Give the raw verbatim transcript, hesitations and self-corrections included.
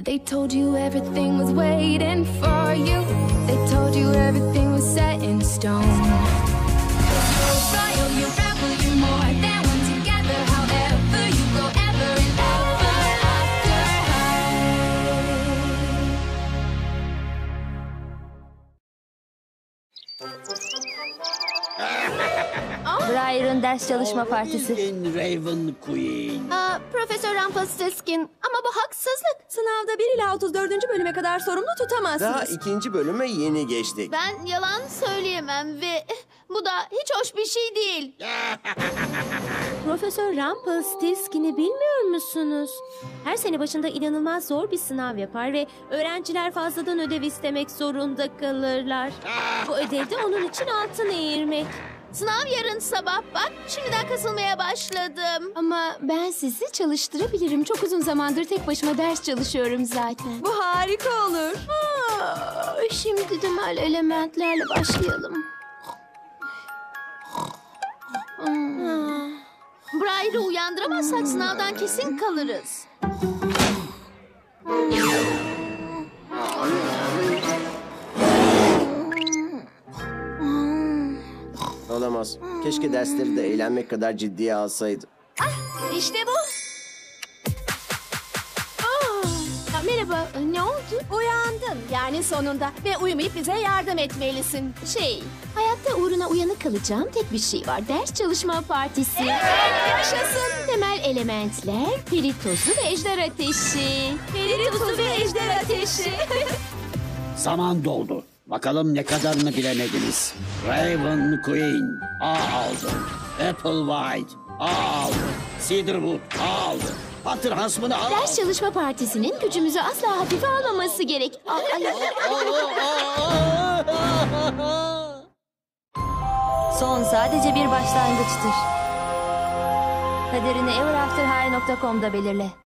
They told you everything was waiting for you. They told you everything was set in stone. You're royal, you're rebel, you're more than one together. However you go, ever and ever after Briar'ın ders çalışma partisi. Raven Queen. Aa, Profesör Rumpelstiltskin, ama bu haksızlık. Sınavda bir ila otuz dördüncü bölüme kadar sorumlu tutamazsınız. Daha ikinci bölüme yeni geçtik. Ben yalan söyleyemem ve bu da hiç hoş bir şey değil. Profesör Rumpelstiltskin'i bilmiyor musunuz? Her sene başında inanılmaz zor bir sınav yapar ve öğrenciler fazladan ödev istemek zorunda kalırlar. Bu ödevde onun için altın eğirmek. Sınav yarın sabah, bak şimdiden kasılmaya başladım. Ama ben sizi çalıştırabilirim. Çok uzun zamandır tek başıma ders çalışıyorum zaten. Bu harika olur. Aa, şimdi temel elementlerle başlayalım. Hmm. Briar'ı uyandıramazsak sınavdan kesin kalırız. Olamaz. Keşke dersleri de eğlenmek kadar ciddiye alsaydı. İşte bu. Aa, merhaba, ne oldu? Uyandın yani sonunda ve uyumayıp bize yardım etmelisin. Şey, hayatta uğruna uyanık kalacağım tek bir şey var. Ders çalışma partisi. Yaşasın. Temel elementler, peri tozu ve ejder ateşi. Peri tozu ve ejder ateşi. Zaman doldu. Bakalım ne kadarını bilemediniz. Raven Queen A aldı. Applewhite A aldı. Cedarwood A aldı. Butter Huntsman'ı A Ders aldı. çalışma partisinin gücümüzü asla hafife almaması gerek. Aa, ay, Son sadece bir başlangıçtır. Kaderini ever after high nokta com'da belirle.